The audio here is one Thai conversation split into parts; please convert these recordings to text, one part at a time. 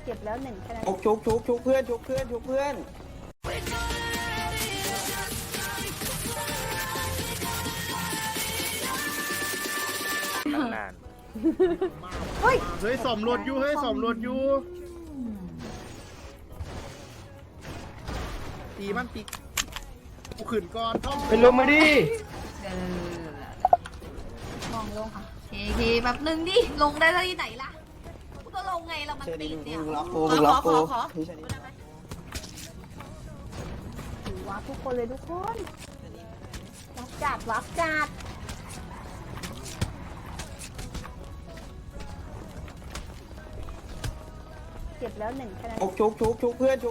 ก็บแล้วหนึ่งคะแนนชุกเพื่อนชุกเพื่อนนานเฮ้ยเฮ้ยสมรถอยู่ตีมันตีกูขืนก่อนท่อมเป็นลมมาดิมองลงค่ะเคแบบนึงดิลงได้แล้วที่ไหนล่ะกูก็ลงไงเรามันเชอติรี่ดเนี่ยมึงล็อกกูพี่เชอรี่ถือว่าทุกคนเลยทุกคนวับจัดเก็บแล้วหนึ่งคะแนนชุกเพื่อน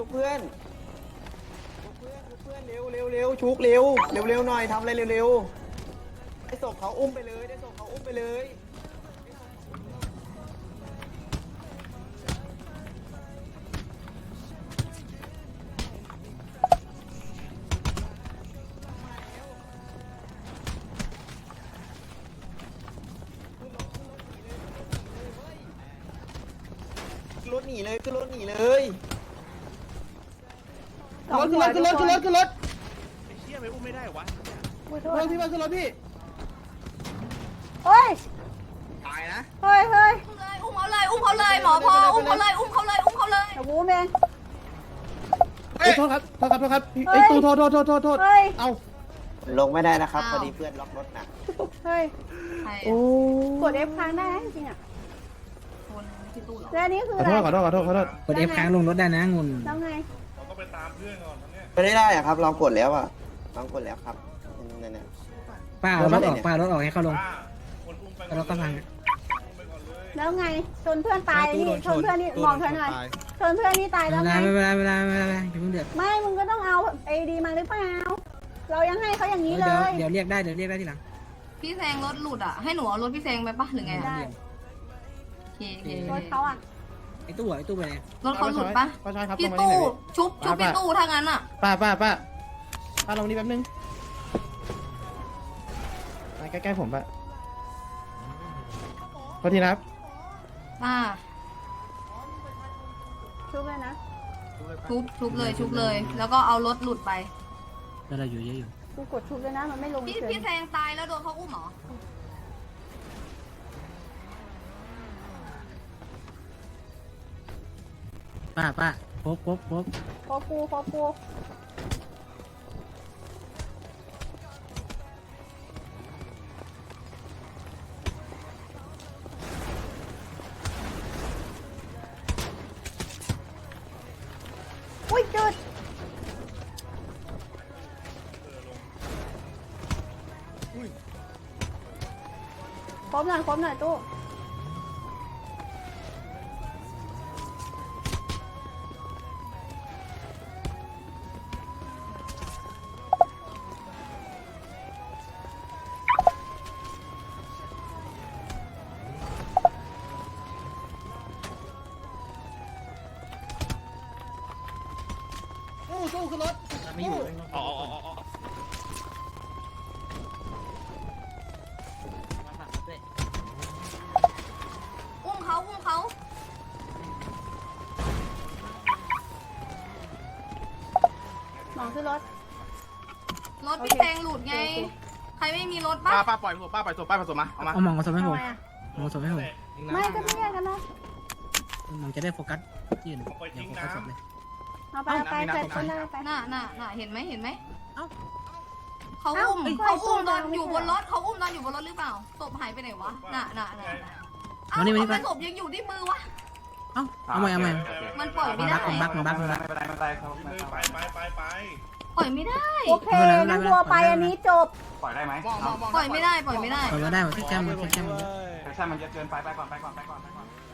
เร็วชุกเร็วหน่อยทำอะไรเร็วได้ศพเขาอุ้มไปเลยรถหนีเลยขึ้นรถสองขึ้นหัวรถทุกคนไอ้เชี่ยไปอุ้มไม่ได้วะอุ้ยโทรษถที่มาขึ้นรถพี่เฮ้ยตายนะเฮ้ยอุ้มเขาเลยหมอพออุ้มเขาเลยแต่วูแมนโทษครับไอ้ตู้โทษเอ้าลงไม่ได้นะครับพอดีเพื่อนล็อกรถนะเฮ้ยโอ้กด F ค้างได้นะจริงๆอ่ะคนที่ตู้หรอแล้วอันนี้คือขออะไรโทษกด F ค้างลงรถได้นะงุนแล้วไงไม่ได้อะครับลองกดแล้วอะลองกดแล้วครับนั่นป้าเอารถออกให้เขาลงแล้วรถก็พังแล้วไงชนเพื่อนตายนี่ชนเพื่อนนี่มองเธอหน่อยชนเพื่อนนี่ตายแล้วไงเวลาอย่าเพิ่งเดือดไม่มึงก็ต้องเอาไอดีมาหรือเปล่าเรายังให้เขาอย่างนี้เลยเดี๋ยวเรียกได้ทีหลังพี่แซงรถหลุดอ่ะให้หนูเอารถพี่แซงไปปะหรือไงได้เครถเขาอ่ะไอ้ตู้ไปไหนรถเขาหลุดปะป้าชายครับพี่ตู้ชุบพี่ตู้ถ้างั้นอ่ะป้าลงนี่แป๊บนึงมาใกล้ๆผมป้าพอทีนะครับป้าชุบเลยนะชุบเลย แล้วก็เอารถหลุดไปแล้วเราอยู่เยอะอยู่กูกดชุบเลยนะมันไม่ลงพี่เฉยพี่แซงตายแล้วโดนเขาอุ้มเหรอป้าพบพอกูอุ้ยจุดครบหน่อยตู้สู้ขึ้นรถไม่อยู่อุ้มเขามองขึ้นรถรถพี่แซงหลุดไง ใครไม่มีรถปะป้าปล่อยผมผสมมาเอามาเอามองมาสมให้ผมทำไมอะมองสมให้ผมไม่ก็ไม่แยกกันนะมองจะได้โฟกัสที่อื่นเดี๋ยวโฟกัสศพเลยเอาไปคนได้ไปน่ะเห็นไหมเอ้าเขาอุ้มเอ้าเขาอุ้มตอนไม่อยู่ใช่บนรถเขาอุ้มตอนอยู่บนรถหรือเปล่าศพหายไปไหนวะน่ะเอ้ามานี่ทำไมศพยังอยู่ที่มือวะเอ้าเอาใหม่มันปล่อยไม่ได้บักปล่อยไม่ได้โอเคงั้นวัวไปอันนี้จบปล่อยได้ไหมปล่อยไม่ได้เอาไว้ได้หมดแค่แก้มมันเยอะแอคชั่นมันเยอะเกินไปก่อน